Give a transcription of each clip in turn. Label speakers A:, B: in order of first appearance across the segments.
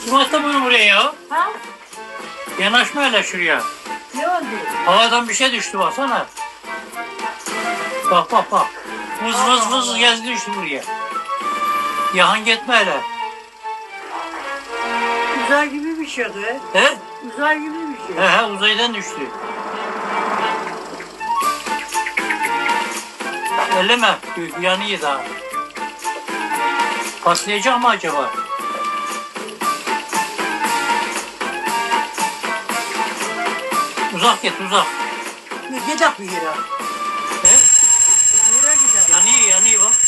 A: Kim attı bunu buraya ya?
B: Ha?
A: Yanaşma hele şuraya.
B: Ne oldu?
A: Havadan bir şey düştü baksana. Bak bak bak. Vız vız vız gezdi düştü buraya. Yahan gitme hele.
B: Uzay gibi bir şey be.
A: He?
B: Uzay gibi bir şey.
A: He uzaydan düştü. Elleme. Yanıyor daha. Patlayacak mı acaba? Uzak git uzak.
B: Ne gidelim bir yere.
A: He?
B: Yere gidelim.
A: Yanıyor bak.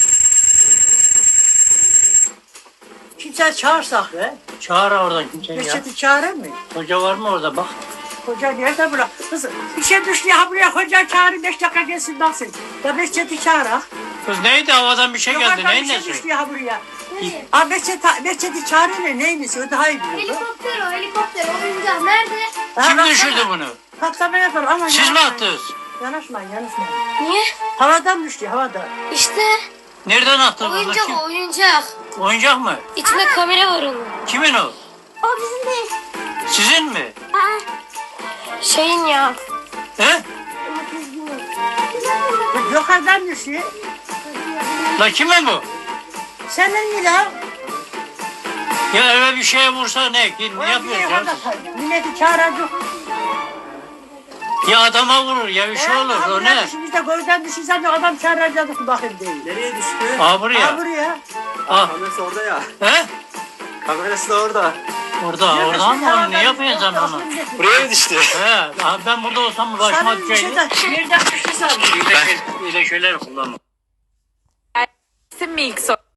B: Kimse çağırsak be.
A: Çağır oradan kimseyi ya.
B: Reçeti çağırır mı?
A: Hoca var mı orada bak.
B: Hoca nerede bırak? Kız bir şey düştü ya buraya hoca çağırın 5 dakika gelsin baksın. Ya Reçeti çağırak.
A: Kız neydi havadan bir şey geldi
B: Yukarıdan
A: neyin
B: bir şey
A: nesi?
B: düştü ya buraya.
C: Nereye?
B: Abi Reçeti çağırın ne neymiş o daha iyi biliyor.
C: Helikopter o helikopter oyuncak nerede?
A: Kim
B: Ha,
A: düşürdü
B: baksana.
A: bunu?
B: Patlama yapar ama
A: Siz mi
B: yanaşmayın.
A: attınız?
B: Yanaşmayın yanaşmayın.
C: Niye?
B: Havadan düştü havadan.
C: İşte
A: Nereden attınız?
C: oyuncak
A: Kim?
C: o oyuncak.
A: Oyuncak mı?
C: İçinde kamera var onun.
A: Kimin o?
C: O bizim değil.
A: Sizin mi?
C: Şeyin ya.
A: He?
B: Yukarıdan düştü.
A: La kimin bu?
B: Senin mi lan?
A: Ya eve bir şeye vursa ne? Ne yapıyorsun ya?
B: Milleti çağıracak.
A: Ya adama vurur ya bir şey olur o ne?
B: Biz de gözden düşünsen de adam çağıracaktık bakayım değil.
D: Nereye düştü?
A: Aa buraya.
B: Ha buraya.
A: Ah.
D: Kamerası orada ya.
A: He?
D: Kamerası da orada.
A: Orada ama ne yapıyorsun sen onu?
D: Buraya mı düştü?
A: He, ben burada olsam başıma
B: Sana bir şey
A: düşeydi.
B: de nereden düştü sandım.
A: Öyle şeyler kullanma.
E: Mix